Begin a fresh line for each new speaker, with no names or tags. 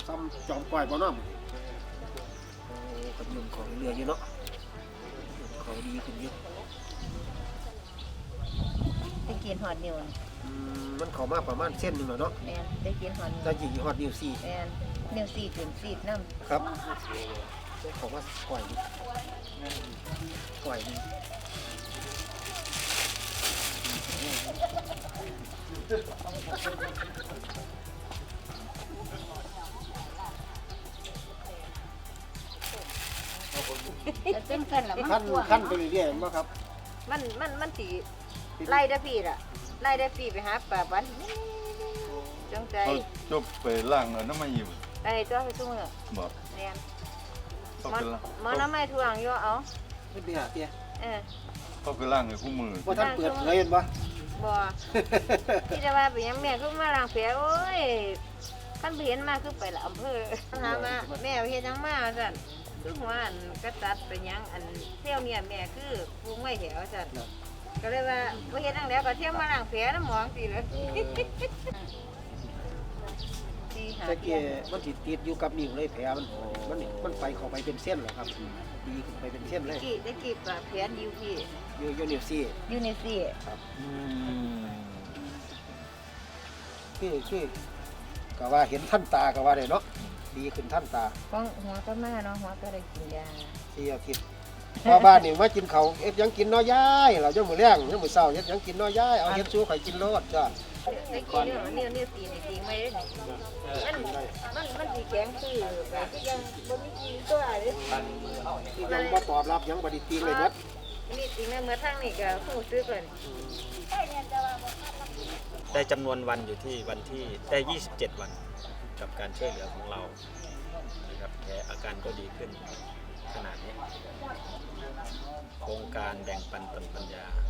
ซ้ำจอมก้อยบ่น้ำโอ้กับยุ่งของเรืออยู่เนาะเขาดีขึ้นเยอะ
ได้กินหอดนิ้ว
มันเข้ามาประมาณเส้นหนึ่งแล้วเนาะ
แมนได้กินหอดนิ้ว
จะยิงฮอดนิ้วสี่
แมนนิ้ว4ถึง4น้ำ
ครับเขาว่าก้อยก้อยนี่
จะเป็นกันละ
ขั้นไปเรื่อยๆมั้งครับ
มันสีไล่ได้พี่ล่ะไล่ได้พี่ไปหาปลาบันจังใจ
เขาจบไปล่างแล้วน้ำมันอยู่
ไอ้ตัวไปทุ่งอ่ะ
บอก
เรียน
เขา
มัน
ไปล่าง
มันน้ำไม่ถ่วงอยู่เอา
ไม่ไปหาเตี้ย
เออ
เขาไปล่างให้คู่มือ
ว่าท่านเปิดเผยเห็นปะ
บ่ที่จะว่าไปยังแม่คือมาล้างแผลโอ้ยขั้นไปเห็นมาคือไปละอำเภอถามว่าแม่เฮ็ดยังมาสั่นคือหัวอันก็ตัดไปยังอันเที่ยวเนี่ยแม่คือปรุงไว้แถวสั่นก็เลยว่าบ่เฮ็ดจังแล้วก็เที่ยวมาล้างแผลน้ำหมองสิเลยที่หา
แต่
เที่
เกี้
ย
มันติดอยู่กับนิ้วเลยแผลมันไปเข้าไปเป็นเส้นเหรอครับดีขึ้นไปเป็นเส้นเลย
ได้กี่ปลาแผลอยู่พี่
อยู่นิ้วสี่
อยู่ในสี่
ครับคือก็ว่าเห็นท่านตาก็ว่าได้เนาะดีขึ้นท่านตา
ของหัวก็มาเนาะหัวก็ได้กินยา
4 อาทิตย์พอบ้านนี่มากินเขาวเอ็ดยังกินน้อยย้ายเราจะมื้อแรงยังมื้อเช้าเฮ็ดยังกินน้อยย้ายเอาเฮ็ดสู้ข่อยกินโลดจ้ะ
ได้กินเนี่ยสี่ในตีไม่ได้มันสีแข็งคือแบบที่ยังบ่มีกินตัวเลย
ที่ยังบ่ตอบรับยังบ่ได้ตีเลยเบิด
นี่ตีแม่เมื่อทั้งนี่ก็ผู้ซื้อก่อน
ได้จำนวนวันอยู่ที่วันที่ได้ 27 วันกับการช่วยเหลือของเรานะครับแผลอาการก็ดีขึ้นขนาดนี้โครงการแบ่งปันตนปัญญา